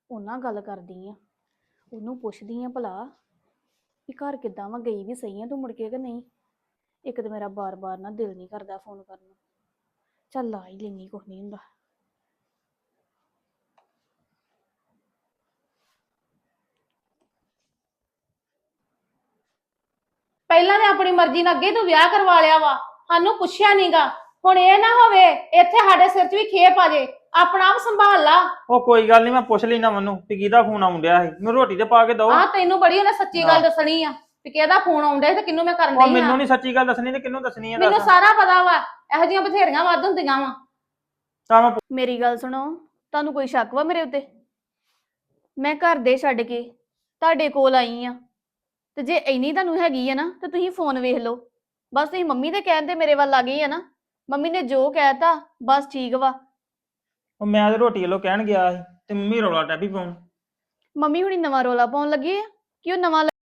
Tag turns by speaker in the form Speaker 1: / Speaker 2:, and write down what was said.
Speaker 1: ਉਹਨਾਂ ਗੱਲ ਕਰਦੀ ਆ, ਉਹਨੂੰ ਪੁੱਛਦੀ ਆ ਭਲਾ ਵੀ ਘਰ ਕਿੱਦਾਂ ਵਾ, ਗਈ ਵੀ ਸਹੀ ਆ ਤੂੰ ਮੁੜ ਕੇ ਕਿ ਨਹੀਂ। ਇੱਕ ਤਾਂ ਮੇਰਾ ਬਾਰ-ਬਾਰ ਨਾ ਦਿਲ ਨਹੀਂ ਕਰਦਾ ਫੋਨ ਕਰਨ ਨੂੰ। ਚੱਲ ਲਾ ਹੀ ਲੈਣੀ, ਕੁਛ ਨਹੀਂ ਹੁੰਦਾ।
Speaker 2: ਪਹਿਲਾਂ ਤੇ ਆਪਣੀ ਮਰਜ਼ੀ ਨਾਲ ਅੱਗੇ ਤੂੰ ਵਿਆਹ ਕਰਵਾ ਲਿਆ ਵਾ, ਸਾਨੂੰ ਪੁੱਛਿਆ ਨਹੀਂਗਾ। ਹੁਣ ਇਹ ਨਾ ਹੋਵੇ ਇੱਥੇ ਸਾਡੇ ਸਿਰ 'ਚ ਵੀ ਖੇਪ ਆ ਜੇ। ਆਪਣਾ ਆਪ ਸੰਭਾਲ ਲਾ।
Speaker 3: ਉਹ ਕੋਈ ਗੱਲ ਨਹੀਂ, ਮੈਂ ਪੁੱਛ ਲੈਣਾ ਮੈਨੂੰ ਵੀ ਕਿਹਦਾ ਫੋਨ ਆਉਣ ਡਿਆ ਸੀ, ਮੈਨੂੰ ਰੋਟੀ ਤੇ ਪਾ ਕੇ ਦੋ।
Speaker 2: ਤੈਨੂੰ ਬੜੀ ਉਹਨੇ ਸੱਚੀ ਗੱਲ ਦੱਸਣੀ ਆ ਵੀ ਕਿਹਦਾ ਫੋਨ ਆਉਂਦਾ ਤੇ ਕਿਹਨੂੰ ਮੈਂ ਕਰਨ
Speaker 3: ਉਹ
Speaker 2: ਡਈ
Speaker 3: ਮੈਨੂੰ ਨਹੀਂ ਸੱਚੀ ਗੱਲ ਦੱਸਣੀ ਤੇ ਕਿਹਨੂੰ ਦੱਸਣੀ ਆ?
Speaker 2: ਮੈਨੂੰ ਸਾਰਾ ਪਤਾ ਵਾ, ਇਹੋ ਜਿਹੀਆਂ ਬਥੇਰੀਆਂ ਵੱਧ ਹੁੰਦੀਆਂ ਵਾ।
Speaker 3: ਤਾਂ ਮੈਂ
Speaker 1: ਮੇਰੀ ਗੱਲ ਸੁਣੋ, ਤੁਹਾਨੂੰ ਕੋਈ ਸ਼ੱਕ ਵਾ ਮੇਰੇ ਉੱਤੇ? ਮੈਂ ਘਰ ਦੇ ਛੱਡ ਕੇ ਤੁਹਾਡੇ ਕੋਲ ਆਈ ਆ, ਤੇ ਜੇ ਇੰਨੀ ਤੁਹਾਨੂੰ ਹੈਗੀ ਆ ਨਾ ਤੇ ਤੁਸੀਂ ਫੋਨ ਵੇਖ ਲਓ। ਬਸ ਤੁਸੀਂ ਮੰਮੀ ਦੇ ਕਹਿਣ ਤੇ ਮੇਰੇ ਵੱਲ ਆ ਗਈ ਆ ਨਾ। ਮੰਮੀ ਨੇ ਜੋ ਕਹਿਤਾ ਬਸ ਠੀਕ ਵਾ।
Speaker 3: ਉਹ ਮੈਂ ਤੇ ਰੋਟੀ ਵੱਲੋਂ ਕਹਿਣ ਗਿਆ ਸੀ ਤੇ ਮੰਮੀ ਰੌਲਾ ਟੈਪੀ ਪਾਉਣ।
Speaker 1: ਮੰਮੀ ਹੁਣੀ ਨਵਾਂ ਰੋਲਾ ਪਾਉਣ ਲੱਗੀ ਆ ਕਿ ਉਹ ਨਵਾਂ